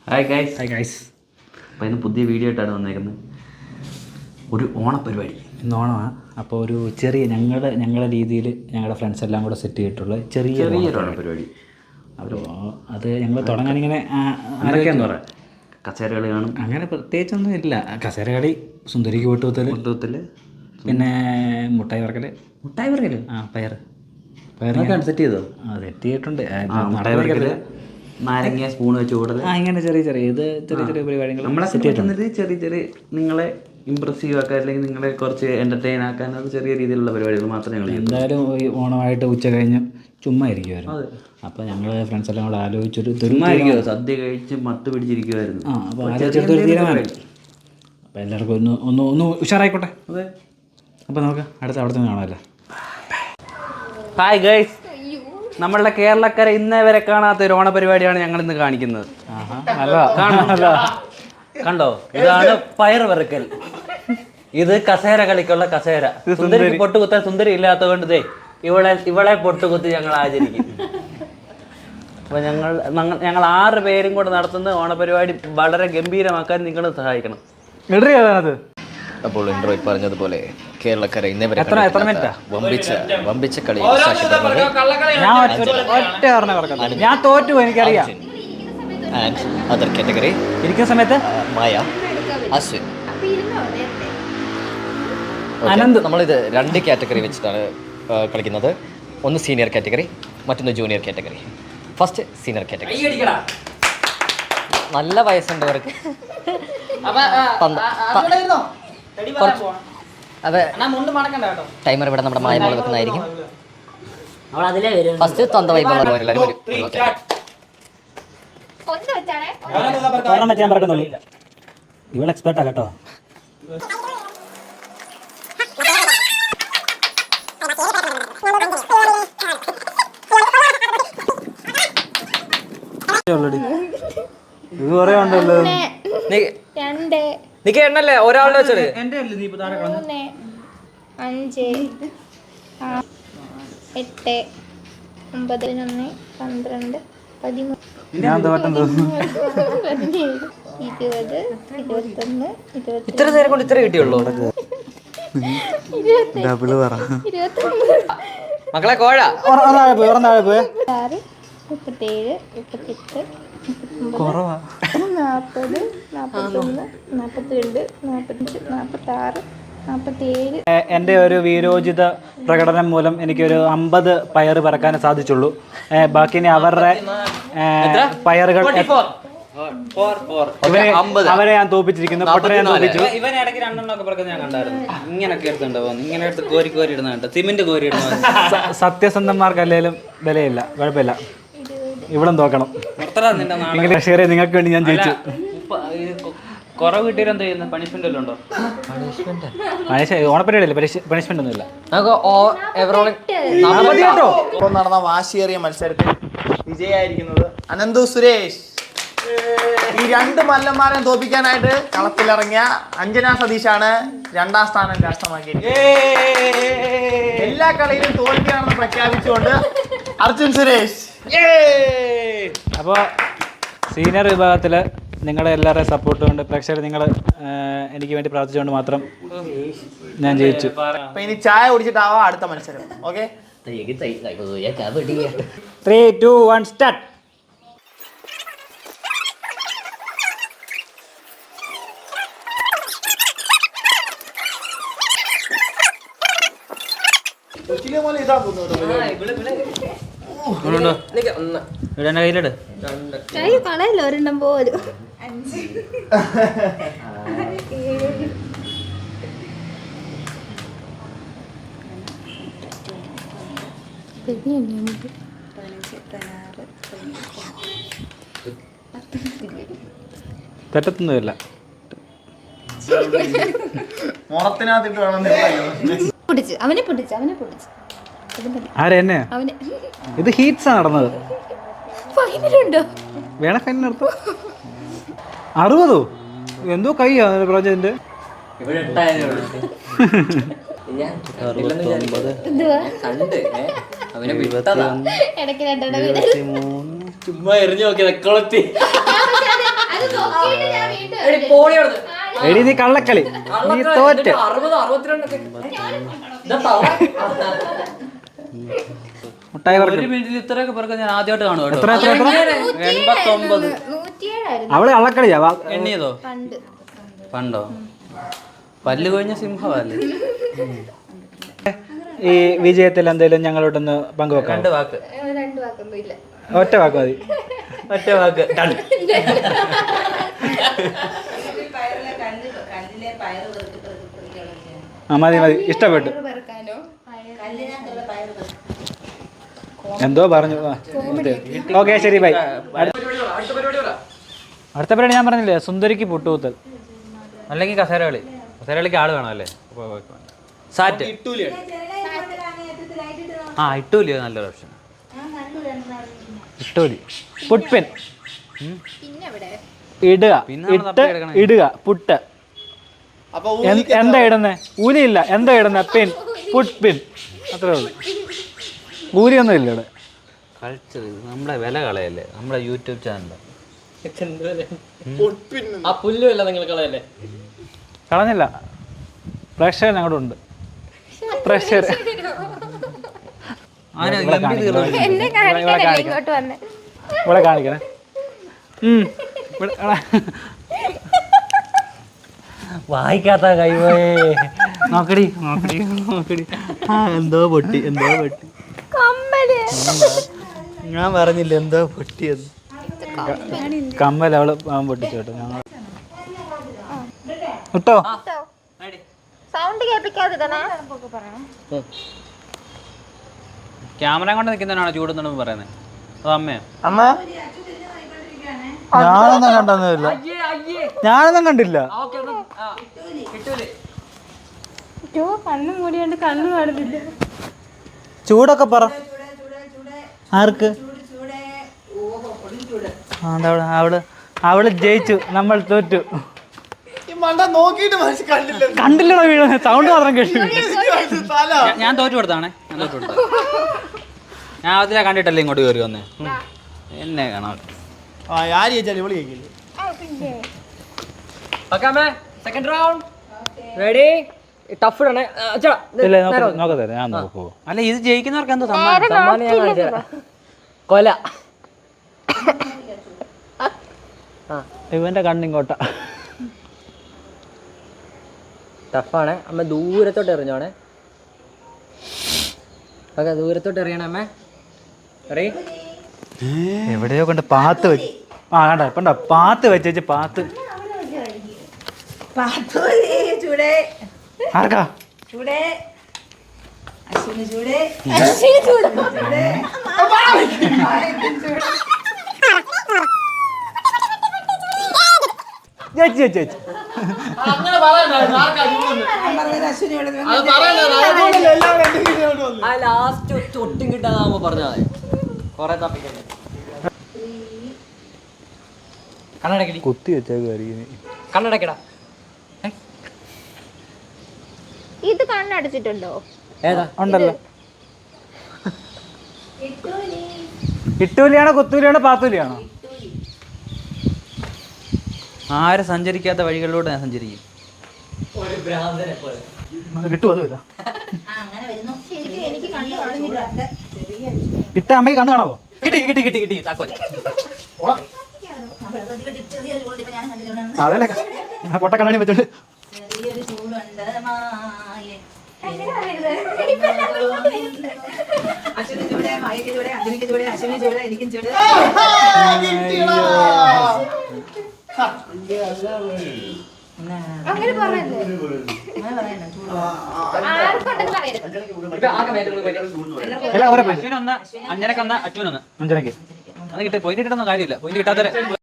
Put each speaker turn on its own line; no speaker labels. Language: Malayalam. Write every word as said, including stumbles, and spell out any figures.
Hi guys.
Hi guys.
അപ്പോൾ ഇന്ന് പുതിയ വീഡിയോ ആയിട്ടാണ് വന്നേക്കുന്നത്. ഒരു ഓണപ്പരിപാടി.
ഇന്ന് ഓണമാണ്. അപ്പോൾ ഒരു ചെറിയ ഞങ്ങളുടെ ഞങ്ങളുടെ രീതിയിൽ ഞങ്ങളുടെ ഫ്രണ്ട്സ് എല്ലാം കൂടെ സെറ്റ് ചെയ്തിട്ടുള്ള ചെറിയ
ചെറിയൊരു ഓണപ്പരിപാടി.
അപ്പോൾ അത് ഞങ്ങൾ തുടങ്ങാനിങ്ങനെ
ആരൊക്കെയാന്ന് പറയാം. കസേര കളി കാണും.
അങ്ങനെ പ്രത്യേകിച്ചൊന്നും ഇല്ല. കസേര കളി, സുന്ദരിക്ക് കൂട്ടുകുത്തൽ,
കൂട്ടുകുത്തൽ,
പിന്നെ മുട്ടായി വറക്കൽ.
മുട്ടായി വറക്കൽ ആ
പയർ
പയറൊക്കെ സെറ്റ് ചെയ്തോ?
ആ സെറ്റ് ചെയ്തിട്ടുണ്ട്.
മുട്ടായി വറക്കൽ, നാരങ്ങ സ്പൂൺ വെച്ച് കൂടൽ,
ആ ഇങ്ങനെ ചെറിയ ചെറിയ ഇത് ചെറിയ ചെറിയ പരിപാടികൾ
നമ്മളെ സെറ്റ് ചെയ്തിട്ടുണ്ട്. ചെറിയ ചെറിയ നിങ്ങളെ ഇമ്പ്രസീവ് ആക്കാൻ അല്ലെങ്കിൽ നിങ്ങളെ കുറച്ച് എൻ്റർടൈൻ ആക്കാൻ അത് ചെറിയ രീതിയിലുള്ള പരിപാടികൾ മാത്രമേ ഞങ്ങൾ
എന്തായാലും ഈ ഓണമായിട്ട് ഉച്ച കഴിഞ്ഞ് ചുമ്മാ ഇരിക്കുമായിരുന്നു. അപ്പോൾ ഞങ്ങൾ ഫ്രണ്ട്സ് എല്ലാം കൂടെ ആലോചിച്ചൊരു
ചുമ്മാ ഇരിക്കുമോ, സദ്യ കഴിച്ച് മത്ത് പിടിച്ചിരിക്കുമായിരുന്നു.
ആ അപ്പോൾ ആലോചിച്ചെടുത്തൊരു തീരുമാനം. അപ്പോൾ എല്ലാവർക്കും ഒന്ന് ഒന്ന് ഒന്ന് ഉഷാറായിക്കോട്ടെ.
അതെ.
അപ്പോൾ നമുക്ക് അടുത്ത അവിടെ നിന്ന് കാണാമല്ലോ.
ഹായ് ഗൈസ്, നമ്മളുടെ കേരളക്കര ഇന്നേ വരെ കാണാത്ത ഒരു ഓണപരിപാടിയാണ് ഞങ്ങൾ ഇന്ന് കാണിക്കുന്നത്. കണ്ടോ, ഇതാണ് പയർ വറുക്കൽ. ഇത് കസേര കളിക്കുള്ള കസേര. സുന്ദരി പൊട്ടുകുത്താൻ സുന്ദരി ഇല്ലാത്തത് കൊണ്ട് ദേ ഇവളെ ഇവളെ പൊട്ടുകുത്തി ഞങ്ങൾ ആചരിക്കും. അപ്പോൾ ഞങ്ങൾ ഞങ്ങൾ ആറ് പേരും കൂടെ നടത്തുന്ന ഓണപരിപാടി വളരെ ഗംഭീരമാക്കാൻ നിങ്ങൾ സഹായിക്കണം.
അപ്പോൾ ഇൻട്രോ പറഞ്ഞതുപോലെ കേരളക്കര ഇന്നേ വരെ വമ്പിച്ച വമ്പിച്ച കളി
ഞാൻ തോറ്റു, എനിക്കറിയാം.
ആൻഡ് അതർ കാറ്റഗറി
ഇരിക്കുന്ന സമയത്ത്
മായ, അശ്വിൻ, അനന്ത്. നമ്മളിത് രണ്ട് കാറ്റഗറി വെച്ചിട്ടാണ് കളിക്കുന്നത്. ഒന്ന് സീനിയർ കാറ്റഗറി, മറ്റൊന്ന് junior category. First senior category. നല്ല വയസ്സുണ്ട് അവർക്ക്. അതെ, ടൈമർ ഇവിടെ നമ്മുടെ മായമോള് വെക്കുന്നതായിരിക്കും. ഫസ്റ്റ് തൊന്ത വൈബുള്ള
ഇവൾ എക്സ്പെർട്ടാ കേട്ടോ. ഇത് കുറേ ഉണ്ടല്ലോ.
നിക്ക് എണ്ണല്ലേ ഒരാളുടെ വെച്ചത്.
മൂന്ന് അഞ്ച് എട്ട് ഒമ്പത് പതിനൊന്ന് പന്ത്രണ്ട് പതിമൂന്ന് പതിനേഴ് ഇരുപത് ഇരുപത്തൊന്ന് ഇരുപത്തി
ഇത്ര നേരം കൊണ്ട് ഇത്ര കിട്ടിയുള്ളൂ. മക്കളെ കോഴ
ആറ് മുപ്പത്തേഴ് മുപ്പത്തെട്ട് നാൽപ്പത് നാൽപ്പത്തൊന്ന് നാൽപ്പത്തിരണ്ട് നാൽപ്പത്തഞ്ച് നാൽപ്പത്താറ് നാൽപ്പത്തേഴ്.
എൻ്റെ ഒരു വീരോചിത പ്രകടനം മൂലം എനിക്കൊരു അമ്പത് പയർ പറക്കാൻ സാധിച്ചുള്ളൂ. ബാക്കി ഇനി അവരുടെ പയറുകൾ അവരെ ഞാൻ തോപ്പിച്ചിരിക്കുന്നു. പൊട്ടനെ ഞാൻ തോപ്പിച്ചു.
ഇവൻ ഇടയ്ക്ക് രണ്ടെണ്ണമൊക്കെ പറക്കുന്നത് ഞാൻ കണ്ടായിരുന്നു. ഇങ്ങനെയൊക്കെ എടുത്തുണ്ടാവും, ഇങ്ങനെ എടുത്ത് കോരി കോരി ഇടുന്ന കണ്ടോ, സിമെന്റ് കോരി ഇടുന്ന.
സത്യസന്ധന്മാർക്ക് അല്ലെങ്കിലും വിലയില്ല, കുഴപ്പമില്ല. ഇവിടെ തോക്കണം. ഷെയർ നിങ്ങൾക്ക് വേണ്ടി ഞാൻ ജയിച്ചു.
കുറവ് കിട്ടിയാൽ എന്താ ചെയ്യുന്നത്? പണിഷ്മെന്റ് വല്ലതും ഉണ്ടോ?
ഓണപ്പരിപാടിയല്ലേ, പണിഷ്മെന്റ് ഒന്നുമില്ല.
ഇപ്പോൾ നടന്ന വാശിയേറിയ മത്സരത്തിൽ വിജയായിരിക്കുന്നത് അനന്തു സുരേഷ്. ഈ രണ്ട് മല്ലന്മാരെ തോൽപ്പിക്കാനായിട്ട് കളത്തിലിറങ്ങിയ അഞ്ജന സതീഷാണ് രണ്ടാം സ്ഥാനം കരസ്ഥമാക്കിയിരിക്കുന്നത്. എല്ലാ കളിയിലും തോൽവിയാണെന്ന് പ്രഖ്യാപിച്ചുകൊണ്ട് അർജുൻ സുരേഷ്.
അപ്പോൾ സീനിയർ വിഭാഗത്തിൽ നിങ്ങളുടെ എല്ലാവരുടെയും സപ്പോർട്ട് കൊണ്ട്, പ്രേക്ഷകർ നിങ്ങൾ എനിക്ക് വേണ്ടി പ്രാർത്ഥിച്ചുകൊണ്ട് മാത്രം ഞാൻ ജയിച്ചു.
അപ്പൊ ഇനി ചായ കുടിച്ചിട്ടാവാം അടുത്ത മത്സരം. Okay,
three two one start.
കയ്യിലിട്.
കൈ കളയല്ലോ ഒരെണ്ണം പോലും.
തെറ്റത്തൊന്നുമില്ല.
മുറത്തിനകത്തിട്ട് വേണം.
പൊട്ടിച്ച് അവനെ പൊട്ടിച്ച് അവനെ പൊട്ടിച്ച്
ആരെന്നെ
അവനെ.
ഇത് ഹീറ്റ്സാണ് നടന്നത്.
ഫൈനലുണ്ടോ?
വേണേ ഫൈനൽ നടത്തും. അറുപതോ എന്തോ കൈയാ പ്രോജക്റ്റിന്റെ.
ചുമ്മാ എറിഞ്ഞു നോക്കിയത് കൊളത്തി.
എടി നീ കള്ളക്കളി, നീ തോറ്റ്. മുട്ടായി
ഒരു
പറക്കും.
മിനിറ്റിൽ ഇത്രയൊക്കെ പേർക്ക് ഞാൻ ആദ്യമായിട്ട് കാണും കേട്ടോ.
എത്ര എത്ര എത്ര
എൺപത്തൊമ്പത്
നൂറ്റിയേഴായിരുന്നു
അവള് കള്ളക്കളിയാ. വാ.
എണ്ണിയതോ?
പണ്ട്.
പണ്ടോ? പല്ല് കൊഴിഞ്ഞ സിംഹമല്ലേ?
ഈ വിജയത്തിൽ എന്തെങ്കിലും ഞങ്ങളോടൊന്ന് പങ്കുവെക്കാം.
രണ്ട് വാക്ക്.
രണ്ട് വാക്കൊന്നും ഇല്ല.
ഒറ്റ വാക്ക് മതി.
ഒറ്റ വാക്ക്. Done.
ആ മതി മതി, ഇഷ്ടപ്പെട്ടു.
പെറുക്കാനോ?
എന്തോ പറഞ്ഞു. ഓക്കെ ശരി ബൈ. അടുത്ത പരിപാടി ഞാൻ പറഞ്ഞില്ലേ, സുന്ദരിക്ക് പുട്ടുകുത്തൽ.
അല്ലെങ്കിൽ കസേര കളി. കസേര കളിക്ക് ആള് വേണമല്ലേ? സാറ്റ്. ആ ഇട്ടൂലിയോ നല്ലൊരു ഓപ്ഷൻ.
ഇട്ടൂലി. പുട്ട്പിൻ.
പിന്നെ എവിടെ?
ഇടുക.
പിന്നെ നമ്മള്
ഇട്ട്
തപ്പി എടുക്കണം.
ഇടുക. പുട്ട്.
അപ്പൊ
എന്ത്- എന്താ ഇടുന്നേ? ഊലിയില്ല. എന്താ ഇടുന്നേ? പിൻ. പുട്ട്പിൻ. അത്രേ ഉള്ളൂ. ഊലിയൊന്നും ഇല്ല ഇവിടെ.
കളിച്ചത് നമ്മുടെ വില കളയല്ലേ, നമ്മുടെ യൂട്യൂബ് ചാനൽ.
ആ പുല്ലുമല്ല നിങ്ങൾ കളയല്ലേ.
കളഞ്ഞില്ല. പ്രേക്ഷകർ ഞങ്ങളുടെ ഉണ്ട്. പ്രേക്ഷകർ
എന്നെ കാണിക്കാനല്ലേ ഇങ്ങോട്ട് വന്നേ?
ഇവിടെ കാണിക്കണേ. ഉം. ഇവിടെ എടാ.
വായിക്കാത്ത കൈവേ. നോക്കടി നോക്കടി നോക്കടി. ആ എന്തോ പൊട്ടി, എന്തോ പൊട്ടി.
കമ്മല്.
ഞാൻ പറഞ്ഞില്ല എന്തോ പൊട്ടിയത്.
കമ്മൽ അവള് അവൻ പൊട്ടിച്ചു കേട്ടോ. ഞങ്ങൾ ഇട്ടോ.
സൗണ്ട് കേൾപ്പിക്കാതിടണേ.
ക്യാമറ കൊണ്ട് നിൽക്കുന്നതിനാണോ ചൂടുന്നുണ്ടെന്ന് പറയുന്നത്? അത് അമ്മയോ?
അമ്മ
ഞാനൊന്നും കണ്ടൊന്നുമില്ല. ഞാനൊന്നും കണ്ടില്ല.
കണ്ണു മൂടിയോണ്ട് കണ്ണു കാണുന്നില്ല.
ചൂടൊക്കെ പറ. ആർക്ക്? അവള് അവള് അവള് ജയിച്ചു, നമ്മൾ തോറ്റു.
ഈ മണ്ട നോക്കിയിട്ട് മനസ്സിൽ കണ്ടില്ല.
കണ്ടില്ലടോ വീഴുന്ന സൗണ്ട് മാത്രം കേട്ടു.
തല
ഞാൻ- ഞാൻ തോറ്റു കൊടുത്താണേ. ഞാൻ തോറ്റു കൊടുത്ത. ഞാൻ അതിലാ കണ്ടിട്ടല്ലേ ഇങ്ങോട്ട് കയറി വന്നേ. എന്നെ കാണാം.
ആ ആര് ചോദിച്ചാലും ഇവള് കേൾക്കില്ല.
Second round ready. ടഫ് ഇടണേ.
ഇല്ല നോക്കത്തെ ഞാൻ നോക്കൂ.
അല്ല ഇത് ജയിക്കുന്നവർക്ക് എന്തോ സമ്മാനം?
സമ്മാനം ഞാൻ കാണിച്ചു തരാം. കൊല.
ഇവന്റെ കണ്ണിങ്ങോട്ട.
ടഫാണ്. അമ്മ ദൂരത്തോട്ട് എറിഞ്ഞോണേ. ഓക്കെ ദൂരത്തോട്ട് എറിയണേ അമ്മ. റെഡി.
എവിടെയോ കൊണ്ട് പാത്ത് വെച്ച്. ആ കണ്ട കണ്ട പാത്ത് വെച്ച് പാത്ത്. ആർക്കാ? ചേച്ചി ചേച്ചി ചേച്ചി
ആ ലാസ്റ്റ് ഒട്ടും കിട്ടാതാകുമ്പോ പറഞ്ഞാൽ മതി. കൊറേ തപ്പിക്കണ്ടേ. കണ്ണടക്കടി.
കുത്തി വെച്ചേക്ക്.
കണ്ണടക്കടാ.
ഇത് കണ്ണടച്ചിട്ടുണ്ടോ?
ഏതാ?
ഉണ്ടല്ലോ. ഇട്ടൂലിയാണോ കുത്തൂലിയാണോ പാത്തൂലിയാണോ?
ആരും സഞ്ചരിക്കാത്ത വഴികളിലൂടെ ഞാൻ സഞ്ചരിക്കും.
കിട്ടുമോ? അതുമില്ല.
ശരിക്കും എനിക്ക് കണ്ണു കാണുന്നില്ല.
ഇട്ട അമ്മയ്ക്ക് കണ്ണു കാണാവോ?
കിട്ടി കിട്ടി കിട്ടി കിട്ടി താക്കോൽ.
അതല്ലേ പൊട്ട കണ്ണാടി വെച്ചോണ്ട്.
അങ്ങനെ പറയല്ലേ? ആർക്കുണ്ടെന്ന് പറയരുത്.
എല്ലാം ഓരോ
അച്ഛനൊന്ന് അഞ്ചരക്കൊന്ന് അച്ഛനൊന്ന്
അഞ്ചരക്ക്.
അത് കിട്ടി. പോയിന്റ് കിട്ടുന്ന കാര്യമില്ല. പോയിന്റ് കിട്ടാത്ത